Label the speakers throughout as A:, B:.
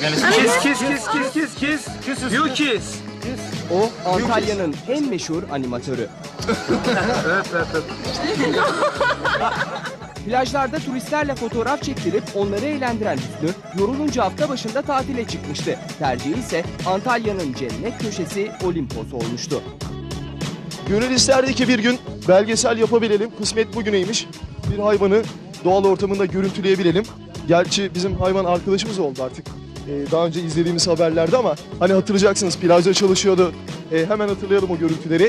A: Kiss. You kiss.
B: O Antalya'nın en meşhur animatörü.
A: Evet.
B: Plajlarda turistlerle fotoğraf çektirip onları eğlendiren Hüsnü, yorulunca hafta başında tatile çıkmıştı. Tercihi ise Antalya'nın cennet köşesi Olimpos olmuştu.
C: Gönül isterdi ki bir gün belgesel yapabilelim. Kısmet bugüneymiş. Bir hayvanı doğal ortamında görüntüleyebilelim. Gerçi bizim hayvan arkadaşımız oldu artık. Daha önce izlediğimiz haberlerde ama hani hatırlayacaksınız plajda çalışıyordu. Hemen hatırlayalım o görüntüleri.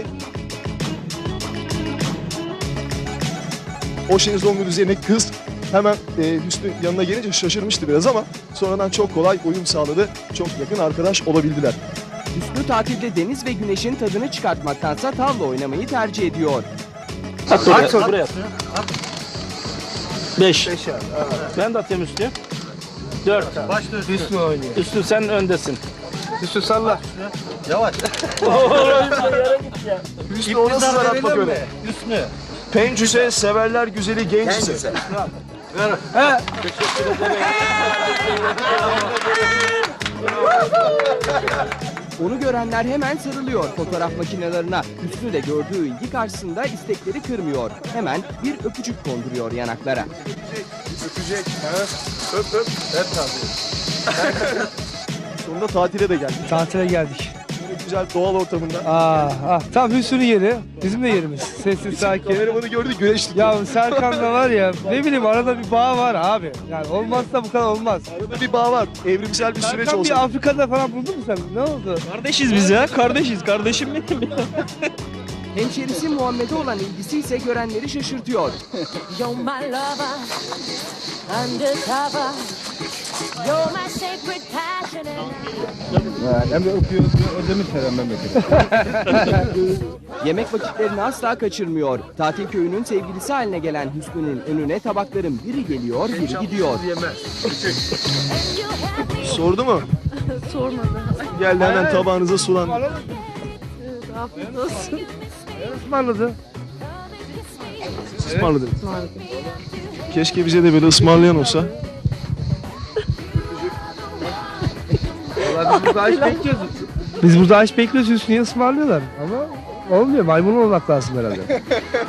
C: O şezlongun üzerine kız hemen Hüsnü yanına gelince şaşırmıştı biraz ama sonradan çok kolay uyum sağladı. Çok yakın arkadaş olabildiler.
B: Hüsnü tatilde deniz ve güneşin tadını çıkartmaktansa tavla oynamayı tercih ediyor.
D: At buraya at. 5. Ben de atayım Üstü. 4.
A: Başlıyor.
E: Hüsnü oynuyor.
D: Üstü sen öndesin.
E: Hüsnü salla.
A: Yavaş.
C: Hüsnü o nasıl zaratmak öyle?
D: Üstü.
C: Pencüse severler güzeli gençse.
B: Onu görenler hemen sarılıyor fotoğraf makinelerine. Hüsnü de gördüğü ilgi karşısında istekleri kırmıyor. Hemen bir öpücük konduruyor yanaklara.
C: Öpecek. Öp. Hep tatil. Sonunda tatile de geldik.
E: Tatile geldik.
C: Böyle güzel doğal ortamında.
E: Tam Hüsnü'nün yeri. Bizim de yerimiz. Sessiz, sakin.
C: Kameramanı gördü güneşlik.
E: Ya Serkan'la var ya, ne bileyim arada bir bağ var abi. Yani olmazsa bu kadar olmaz.
C: Arada bir bağ var. Evrimsel bir süreç
E: Serkan
C: olsa.
E: bir Afrika'da falan buldun mu sen? Ne oldu?
D: Kardeşiz biz ya. Kardeşiz. Kardeşim benim ya.
B: Hemşerisi Muhammed'e olan ilgisi ise görenleri şaşırtıyor.
F: You're my lover, undercover. You're my sacred passion.
E: Hem de öpüyor, ödemiş her memleketi.
B: Yemek vakitlerini asla kaçırmıyor. Tatil köyünün sevgilisi haline gelen Hüsnü'nün önüne tabakların biri geliyor, biri gidiyor.
C: Sordu mu?
G: Sormadı.
C: Geldi hemen tabağınıza sulandı.
G: Afiyet olsun.
E: Ismarladı.
C: Ismarladı. Keşke bize de böyle ısmarlayan olsa.
E: Vallahi biz burada aç bekliyoruz. Biz burada aç bekliyoruz, Hüsnü'yü ısmarlıyorlar. Ama olmuyor, maymun olmak lazım herhalde.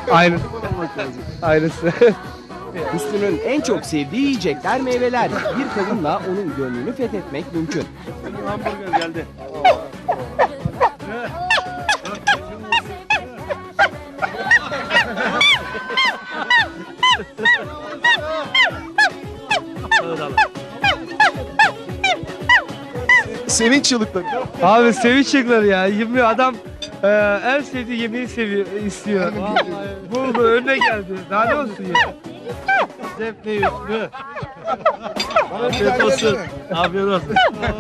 E: Aynısı.
B: Hüsnü'nün en çok sevdiği yiyecekler meyveler. Bir kadınla onun gönlünü fethetmek mümkün.
D: Hamburger geldi.
C: Sevinç çığlıkları.
E: Abi sevinç çığlıkları ya. Yemin adam en sevdiği yemeği istiyor. Buldu, önüne geldi. Daha ne olsun ya?
D: Zevkli Üstü. Afiyet olsun. Afiyet olsun.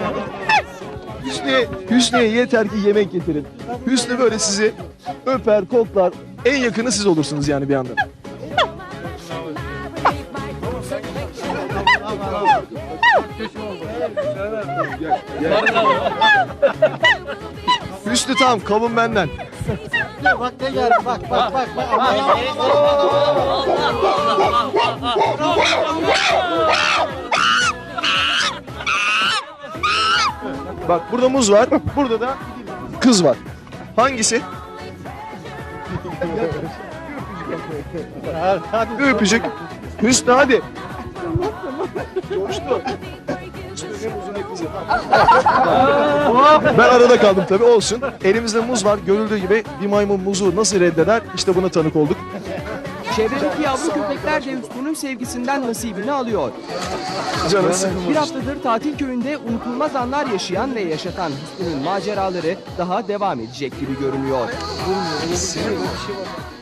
C: Hüsnü'ye yeter ki yemek getirin. Hüsnü böyle sizi öper, koklar. En yakını siz olursunuz yani bir anda. Hüsnü tamam, kavun benden.
A: Bak ne geldi bak.
C: Bak burada muz var, burada da kız var. Hangisi? Bir öpücük. Hüsnü hadi. Coştu. Ben arada kaldım tabii, olsun. Elimizde muz var, görüldüğü gibi bir maymun muzu nasıl reddeder? İşte buna tanık olduk.
B: Çevredeki yavru köpekler de Hüsnü'nün sevgisinden nasibini alıyor.
C: Canısı.
B: Bir haftadır tatil köyünde unutulmaz anlar yaşayan ve yaşatan Hüsnü'nün maceraları daha devam edecek gibi görünüyor.